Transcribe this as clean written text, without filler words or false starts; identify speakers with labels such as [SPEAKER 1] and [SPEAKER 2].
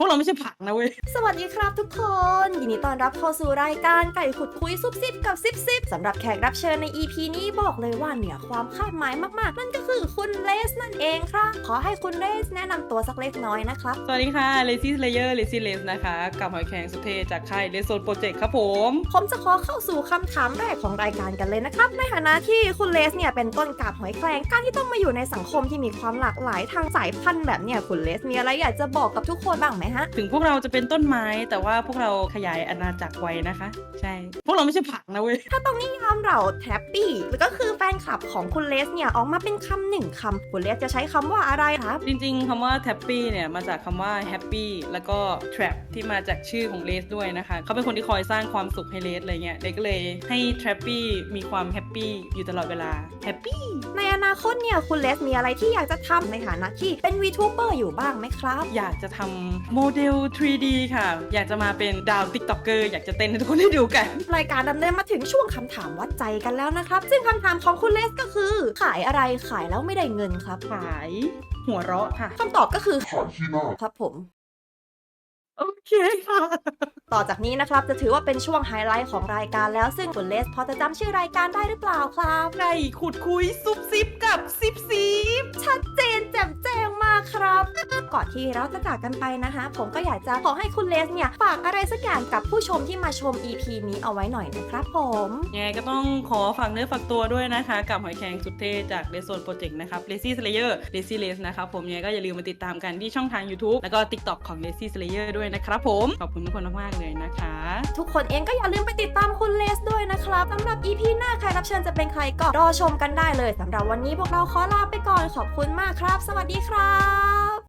[SPEAKER 1] วกเราไม่ใช่ผักนะเว้ย
[SPEAKER 2] สวัสดีครับทุกคนยินดีต้อนรับเข้าสู่รายการไก่ขุดคุยซุบซิบกับซิบสำหรับแขกรับเชิญใน EP นี้บอกเลยว่าเหนือความคาดหมายมากๆนั่นก็คือคุณเลสนั่นเองครับขอให้คุณเลสแนะนำตัวสักเล็กน้อยนะครับ
[SPEAKER 1] สวัสดีค่ะ Lazy Slayer Lazy Lace นะคะกับหอยแครงสุดเทจากค่าย Red Zone Project ครับผม
[SPEAKER 2] ผมจะขอเข้าสู่คำถามแรกของรายการกันเลยนะครับในฐานะที่คุณเลสเนี่ยเป็นต้นกาบหอยแครงการที่ต้องมาอยู่ในสังคมที่มีความหลากหลายทางสายพันธุ์แบบเนี่ยคุณเลสมีอะไรอยากจะบอกกับทุกคนบ้างไหมฮะ
[SPEAKER 1] ถึงพวกเราจะเป็นต้นไม้แต่ว่าพวกเราขยายอาณาจักรไว้นะคะใช่พวกเราไม่ใช่ผักนะเว้ย
[SPEAKER 2] ถ้าต้องนิยามเราแทปปี้หรือก็คือแฟนคลับของคุณเลสเนี่ยออกมาเป็นคำหนึ่งคำคุณเลสจะใช้คำว่าอะไรครับ
[SPEAKER 1] จริงๆคำว่า Tappy เนี่ยมาจากคำว่า Happy แล้วก็ Trap ที่มาจากชื่อของเลสด้วยนะคะเขาเป็นคนที่คอยสร้างความสุขให้เลสอะไรเงี้ยเลสก็เลยให้ Trappy มีความแฮปปี้อยู่ตลอดเวลา Happy
[SPEAKER 2] ในอนาคตเนี่ยคุณเลสมีอะไรที่อยากจะทำในฐานะที่เป็น VTuber อยู่บ้างไหมครับ
[SPEAKER 1] อยากจะทำโมเดล 3D ค่ะอยากจะมาเป็นดาว TikToker อยากจะเต้นให้ทุกคนได้ดูกัน
[SPEAKER 2] รายการดำเนินมาถึงช่วงคำถามวัดใจกันแล้วนะครับซึ่งคำถามของคุณเลสก็คือขายอะไรขายแล้วไม่ได้เงินครับ
[SPEAKER 1] ขายหัวเราะค่ะ
[SPEAKER 2] คำตอบก็คือ
[SPEAKER 3] ขายขี้หน้า
[SPEAKER 2] ครับผม
[SPEAKER 1] โอเคค่ะ
[SPEAKER 2] ต่อจากนี้นะครับจะถือว่าเป็นช่วงไฮไลท์ของรายการแล้วซึ่งคุณเลสพอจะจำชื่อรายการได้หรือเปล่าครับ
[SPEAKER 1] ไก่ขุดคุยซุบซิบกับซิบซิบ
[SPEAKER 2] ชัดเจนแจ่มแจ้งมากครับก่อนที่เราจะจากกันไปนะคะผมก็อยากจะขอให้คุณเลสเนี่ยฝากอะไรสักอย่างกับผู้ชมที่มาชม EP นี้เอาไว้หน่อยนะครับผม
[SPEAKER 1] ยังไงก็ต้องขอฝากเนื้อฝากตัวด้วยนะคะกับหอยแครงสุดเท่จาก Red Zone Project นะครับ Lazy Slayer Lazy Lace นะครับผมยังไงก็อย่าลืมมาติดตามกันที่ช่องทาง YouTube แล้วก็ TikTok ของ Lazy Slayer ด้วยนะครับผมขอบคุณทุกคนมากๆเลยนะคะ
[SPEAKER 2] ทุกคนเองก็อย่าลืมไปติดตามคุณเลสด้วยนะครับสำหรับ EP หน้าใครรับเชิญจะเป็นใครก็รอชมกันได้เลยสำหรับวันนี้พวกเราขอลาไปก่อนขอบคุณมากครับ สวัสดีครับ